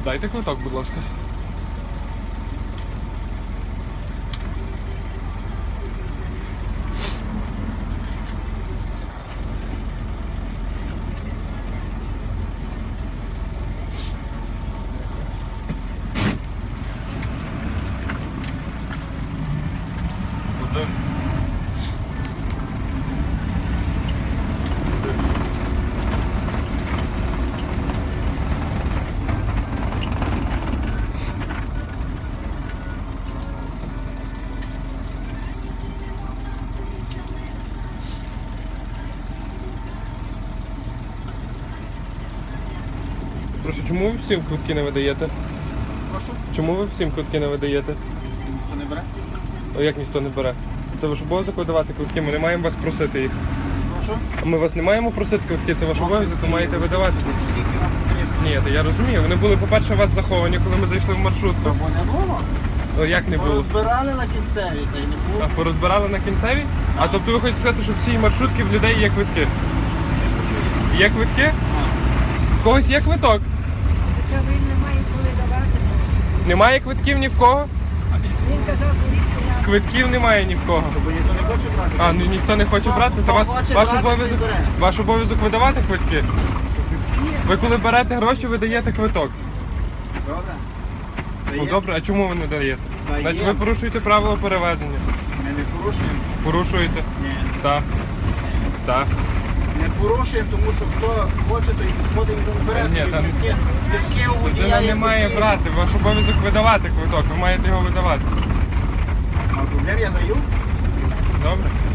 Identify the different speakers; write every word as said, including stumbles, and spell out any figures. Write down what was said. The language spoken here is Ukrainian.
Speaker 1: Дайте квиток, будь ласка. Куди? Прошу, чому ви всім квитки не видаєте?
Speaker 2: Прошу?
Speaker 1: Чому ви всім квитки не видаєте?
Speaker 2: Хто не бере?
Speaker 1: О, як ніхто не бере? Це ваш обов'язок видавати квитки, ми не маємо вас просити їх.
Speaker 2: Прошу?
Speaker 1: А ми вас не маємо просити квитки, це ваш обов'язок, ви маєте видавати.
Speaker 2: Скільки вам потрібно?
Speaker 1: Ні, то я розумію. Вони були, по-перше, у вас заховані, коли ми зайшли в маршрутку.
Speaker 2: Бо не було?
Speaker 1: О, як не було?
Speaker 2: Розбирали на кінцеві, та й не було.
Speaker 1: А порозбирали на кінцевій? А тобто ви хочете сказати, що всі маршрутки в людей є квитки?
Speaker 2: Звісно, що є.
Speaker 1: Є квитки?
Speaker 2: А.
Speaker 1: В когось є квиток?
Speaker 3: Така він не має коли давати.
Speaker 1: Немає квитків ні в кого?
Speaker 3: Він казав, що
Speaker 1: Квитків немає ні в кого.
Speaker 2: Бо ніхто не хоче брати.
Speaker 1: А, ну ніхто не хоче
Speaker 2: Хто-
Speaker 1: брати,
Speaker 2: хто
Speaker 1: то вас,
Speaker 2: хоче
Speaker 1: ваш,
Speaker 2: брати,
Speaker 1: обов'язок,
Speaker 2: той бере.
Speaker 1: ваш обов'язок видавати квитки? Ви коли берете гроші, ви даєте квиток.
Speaker 2: Добре.
Speaker 1: Ну
Speaker 2: Дає?
Speaker 1: добре, а чому ви не даєте?
Speaker 2: Дає.
Speaker 1: Значить ви порушуєте правила перевезення.
Speaker 2: Ми не порушуємо.
Speaker 1: Порушуєте?
Speaker 2: Ні.
Speaker 1: Так. Так.
Speaker 2: Не порушуємо, тому що хто хоче, то й підходить і бере
Speaker 1: Ні,
Speaker 2: собі
Speaker 1: та-
Speaker 2: квитки. Квитки у водія
Speaker 1: Людина
Speaker 2: є
Speaker 1: не має
Speaker 2: квитки.
Speaker 1: брати, ваш обов'язок видавати квиток, ви маєте його видавати.
Speaker 2: А проблем я даю.
Speaker 1: Добре?